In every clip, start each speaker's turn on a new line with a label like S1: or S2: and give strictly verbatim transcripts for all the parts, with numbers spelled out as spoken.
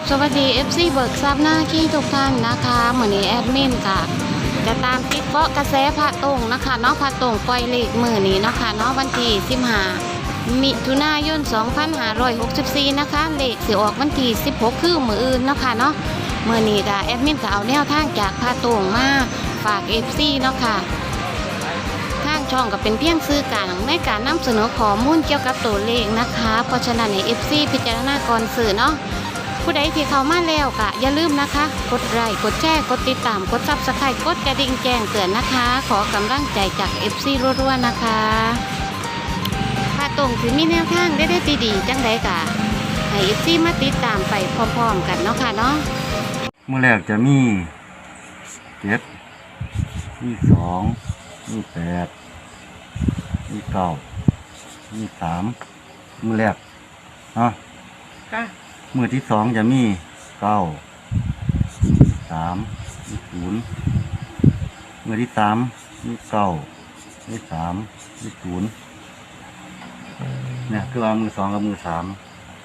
S1: สวัสดี เอฟ ซี เบิกทรัพย์หน้าขี้ทุกท่านนะคะเหมือนนี้แอดมินค่ะจะตามติดเกาะกระแสพระตรงนะคะเนาะพระตรงปล่อยเลขมือนี้นะคะเนาะวันที่สิบห้ามิถุนายนสองพันห้าร้อยหกสิบสี่นะคะเลขสิออกวันที่สิบหกคือมืออื่นเนาะค่ะเนาะมือนี้ค่ะแอดมินก็เอาแนวทางจากพระตรงมาฝาก เอฟ ซี เนาะค่ะทางช่องก็เป็นเพียงซื้อกลางในการนำเสนอข้อมูลเกี่ยวกับตัวเลขนะคะเพราะฉะนั้นใน เอฟ ซี พิจารณาก่อนสื่อเนาะผู้ใดที่เข้ามาแล้วก็อย่าลืมนะคะกดไลค์กดแชร์กดติดตามกดซับสไครต์กดกระดิ่งแจ้งเตือนนะคะขอกำลังใจจาก เอฟ ซี รัวๆนะคะถ้าตรงถึงมีแนวทางได้ได้ดีๆจังไดกะให้ เอฟ ซี มาติดตามไปพร้อมๆกันเนาะค่ะเนาะ
S2: เมื่อแรกจะมีเจ็ดมีสองมีแปดมีเก้ามีสามมือแรกเนาะ
S3: ค่ะ
S2: มือที่สองจะมีเก้าสามมีศูนย์มือที่สามมีเก้ามีสามมีศูนย์เนี่ยคือเอามือสองกับมือสาม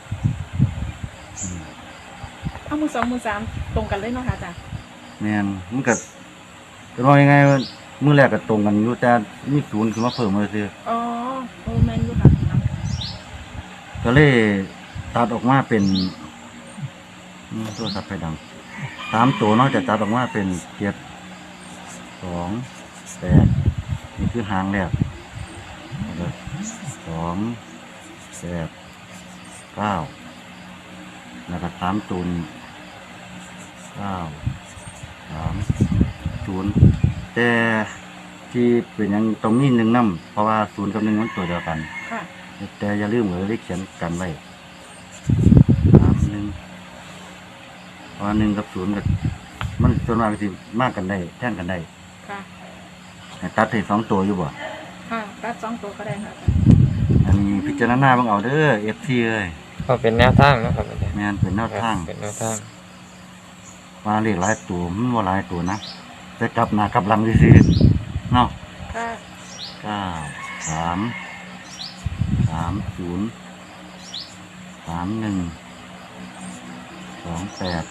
S3: เอามือสองมือสามตรงกันเลยเนาะค่ะจ้ะ
S2: เนี่ยมันก็จะว่ายังไงมือแรกก็ตรงกันอยู่แต่มีศูนย์คือมาเพิ่มมาซื้อ
S3: อ๋อโอ้แมนอยู่ค่ะ
S2: ก็เลยตัดออกมาเป็นตัวตัดไฟดังสามตัวนอกจากตัดออกมาเป็นเจ็ดสองแปดนี่คือหางแรกสองแปดเก้าแล้วก็สามตัวนี้เก้าสามศูนย์แต่ที่เป็นยังตรงนี้หนึ่งน้ำเพราะว่าศูนย์กับหนึ่งมันตัวเดียวกันแต่อย่าลืมเลยได้เขียนกันไว้สามหนึ่งเพราะหนึ่งกับศูนย์กับมันส่วนมากสิมากกันได้แท่งกันได้ค่ะตัดให้สองตัวอยู่บ่
S3: ค่ะตัดสองตัวก็ได้ค่ะ
S2: อันนี้พิจารณาบ้างเอาเด้อเอฟซีเลย
S4: ก็เป็นแนวทางนะครับ
S2: แม่นเป็นแนวทาง
S4: เป็นแนวทาง
S2: มาเรียกหลายตัวมันว่าหลายตัวนะแต่กลับหน้ากลับหลังซื่อเนาะ
S3: ค่ะ
S2: เก้าสามสามศูนย์สามหนึ่งสองแปด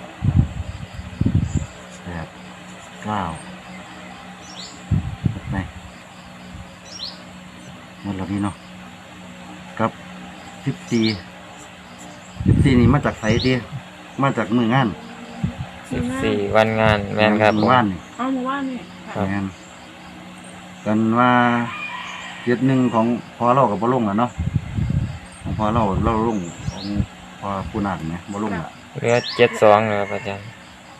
S2: แปดเก้าไปหมดแล้วดีเนาะกับสิบสี่สิบสี่นี่มาจากไสดีมาจากมืองาน
S4: สิบสี่วันงานแม่นครับ
S2: มือว่านนี่
S3: อ๋อมือว่านนี่
S2: แม่นกันว่าเจ็ดหนึ่งของพอเรากับบ่ลงแล้วเนาะของพอเราเราลงของพอผู้นักเนี่ยบ่ลงละ
S4: เหลือเจ็ดสองเลยครับอาจารย์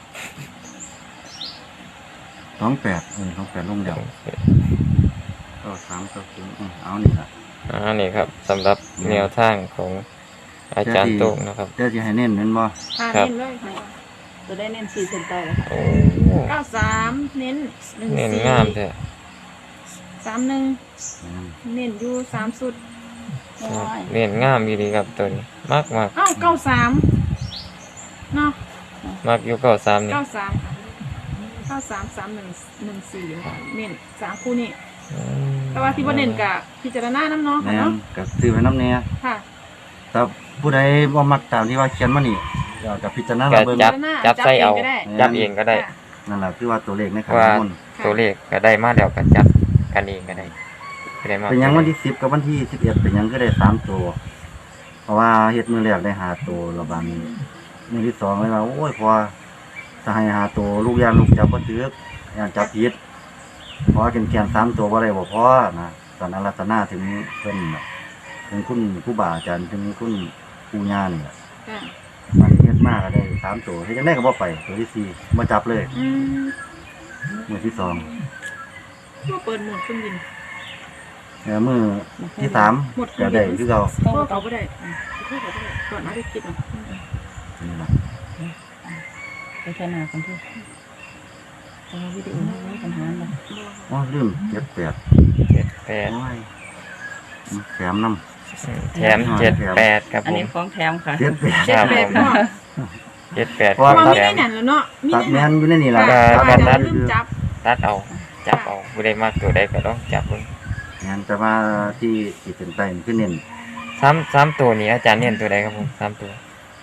S2: สองแปดเออสองแปดลงเดียวก็สามก็ถึงเอานี่ละ
S4: อ่านี่ครับสำหรับแนวทางของอาจารย์โต้งนะครับ
S2: เดี๋ยวจะให้เน้นเน้นบ่
S3: ครับเน้นเลยค่ะจะได้เน้นสี่เซนเตอร์เลยค่ะเก้าสามเน้นหนึ่งสี่
S4: เน้นงามแท้
S3: สามหนึ่งเน้นอยู่สามสุด
S4: เน้นงามดีครับตัวนี้มากมาก
S3: อ้าวเก้าสามเนาะ
S4: มากอยู่เก้าสามนี่
S3: เก้าสามเก้าสามสามหนึ่งหนึ่งสี่เน้นสามคู่นี่แต่ว่าที่ว่าเน้นกับพิจารณาน้ำเนาะค่ะเนาะ
S2: กับซื้อไว้น้ำเนี้ย
S3: ค่ะ
S2: แต่ผู้ใดว่ามักตามที่ว่าเขียนมานี่เดี๋ยวกับพิจารณา
S4: เบิ่งจับจับใส่เอาจับเองก็ได้
S2: นั่นแหละคือว่าตัวเลขในขันน้ำมนต์
S4: ตัวเลขก็ได้มาเดี๋ยวกันจับกันเองก็ได้
S2: เป็นยังวันที่สิบกับวันที่สิบเอ็ดเป็นยังก็ได้สามตัวเพราะว่าเฮ็ดมือแรกได้หาตัวระบาดนี้มือที่สองเลยว่าโอ้ยพอจะให้หาตัวลูกยานลูกจับก็ถือยานจับผิดเพราะแกนแกนสามตัวว่าอะไรบอกพ่อนะตอนนั้นรัตนาถึงเพิ่นถึงคุณผู้บ่าอาจารย์ถึงคุณผู้ญาเนี่ยมันเฮ็ดมากก็ได้สามตัวเฮ็ดยังได้ก็บ่ไปตัวที่สี่มาจับเลยมือที่สอง
S3: ก็เปิดหมดเครื่องบิน
S2: แล้วมือที่สามก็ได้คือเรา
S3: เพิ่มเขาไม่ได้เพิ่มเขาไม่ได้ก่อนหน้าที่คิดนะ
S2: นี่แหละ
S3: ไปแค่นาคนที่จะวิดีโอไม่ปัญหาเลย
S2: อ๋อลืมเจ็ดแปด
S4: เจ็ดแปด
S2: แถมน้ำ
S4: แถมเจ็ดแปดครับผม
S3: อันนี้ของแถมค่ะ
S2: เจ็ดแปด
S3: เจ็ดแปด
S4: เจ็ดแปด
S3: เพราะว่าไม่ได้นั่นแล้วเนาะ
S2: ตัดแมนอยู่ในนี่แหละ
S4: ตัดตัดตัดเอาจับเอาไม่ได้มากตัวใดก็ต้องจับเลย
S2: งานจะมาที่จิตเป็นไปขึ้นเน้น
S4: สามสามตัวนี้อาจารย์เน้นตัวใดครับผมสามตัว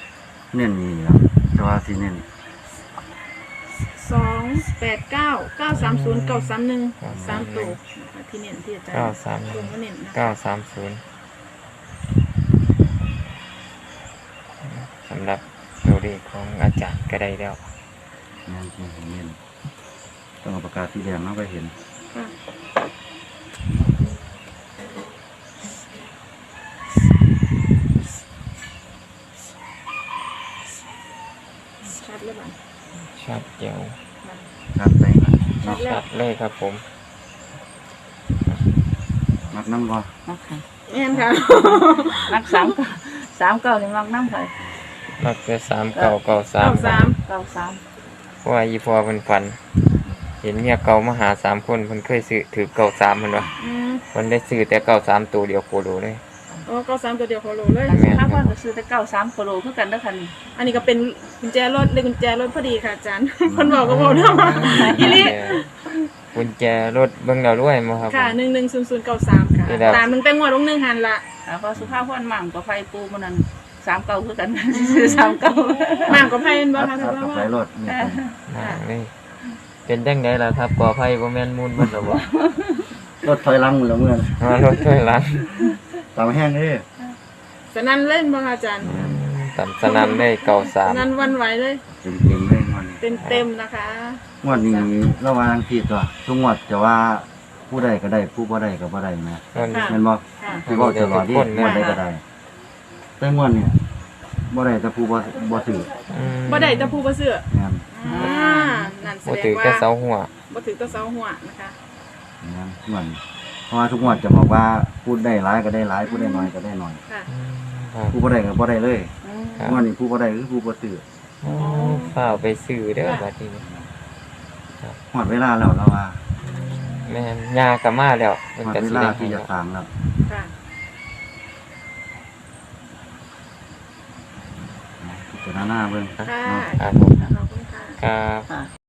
S2: เน้นนี่ครับแต่ว่าที่เน้น
S3: สองแปดเก้าเก้าสามศูนย์เก้าสามหนึ่งสามตัวนะคะที่เน้นที่อาจารย์
S4: เก้าสาม
S3: ลงมาเน้นนะ
S4: เก้าสามศูนย์สำหรับตัวเลขของอาจารย์ก็ได้แล้ว
S2: เน้นที่เน้นต้องเอาปากกาสีแดงมาไปเห็น
S3: ค่ะชัดเลยบ้าง
S4: ชัดเจียว
S2: ชัดไปนะ
S3: ชัดแล้
S4: ชั
S3: ว
S4: ดเลยครับผม
S2: มักน้ำบ่
S5: มักค่ะ
S3: แม่นค่ะ
S5: มักสามเก้าสามเก้านี่มักน้ำค่ะ
S4: มักจะสามเก้าเก้าสาม
S3: เก้าสาม
S5: เก้าสาม
S4: เพราะว่าอีพอเพิ่นฝัน เห็นเมียเก่ามาหาสามคนเพิ่นเคยซื้อถือเก้าสามเพิ่นว่า
S3: อืม
S4: เพิ่นได้ซื้อแต่เก้าสามตัวเดียวโคโลเลย
S3: อ๋อเก้าสามตัวเดียวโคโลเลย
S4: แม่น
S5: ถ้าเพิ่นก็ซื้อแต่เก้าสามโคโลคือกันเด้อค่ะนี่
S3: อันนี้ก็เป็นกุญแจรถเลยกุญแจรถพอดีค่ะอาจารย์ คนบอกก็บอกนะว่าอีลิ
S4: กุญแจรถเบิ่งแล้วรวยมั้งครับ
S3: ค่ะหนึ่งหนึ่งศูนย์ศูนย์เก้าสามค่ะ
S4: นี่แหละ
S3: ตามหนึ่งแต่งวดลงหนึ่งหันละ
S5: อ่าพอสุภาพพรมั่งกับไฟปูมันนั้นสามเก้าคือกัน ซื้อสามเก้า
S3: หมากกับไพ่เป็นบ้า
S2: อัด
S3: ค่ะ
S2: อัด
S3: ท่าน
S2: กับ
S3: ว่า
S2: ไฟรถนี่เป็น
S4: นั่งนี่เป็นจังไดล่ะครับก่อไฟบ่แม่นมูลเบิดหรอบ่
S2: รถถอยหลังหมดแล้วเมื่อ
S4: มารถช่วยหลัง
S2: ตามแห้งเลย
S3: สนั่นเล่นบ้าค่ะอาจารย์
S4: ตันสนั่นได้เก้าสา
S3: ส
S4: ม
S3: นั่นวันไหวเลย
S2: เต็มเต็มๆเลยงวดนี้
S3: เต็มเต็มๆนะคะ
S2: งวดนี้ระหว่างที่ตัวทุกงวดจะว่าผู้ใดก็ได้ผู้บ่ได้ก็บ่ได้นะ
S4: นั่น
S3: ค่ะ
S2: แม่นบ่
S3: ค่ะ
S2: ผู้บ่ตลอดที่
S4: ทุกคน
S2: งวดใดก็ได้ แต่งวดเนี่ยบ่ได้แต่ผู้บ่บ่ถือ
S4: อืม
S3: บ่ได้แตะพูบ่เสื้อ
S2: แม่น
S3: อ่านั่นแส
S4: บ่
S3: ดง
S4: ถือ
S3: ว่า
S4: แต่เสาหัว
S3: บ่ถือแตะเสาหัวนะคะ
S2: แม่นงวดนี้เพราะว่าทุกงวดจะบอกว่าพูดได้หลายก็ได้หลายพูดได้น้อยก็ได้น้อย
S3: ค่ะ
S4: อืมครับ
S2: ผู้บ่ได้ก็บ่ได้เลย
S5: อืม
S4: ครับ
S2: งวดนี้ผู้บ่ได้คือผู้บ่ซื้อ
S4: โอ้ฝ้าวไปซื้อเด้อบัดนี้
S2: ฮอดเวลาแล้วแล้วว่า
S4: แม่นยาก็มาแล้วเพิ่น
S2: ฮอด
S4: ก็
S2: เว
S4: สิ
S2: ลา
S4: ได้
S2: ที่
S4: ให้
S2: จะ
S4: แล้ว
S2: สร้างแล้ว
S3: ค่ะ
S2: พิจารณาเบิ่ง
S3: ค่ะ
S2: เนาะ
S4: ครับผม
S3: ขอบคุณค่ะ
S4: ครับ
S5: ค่ะ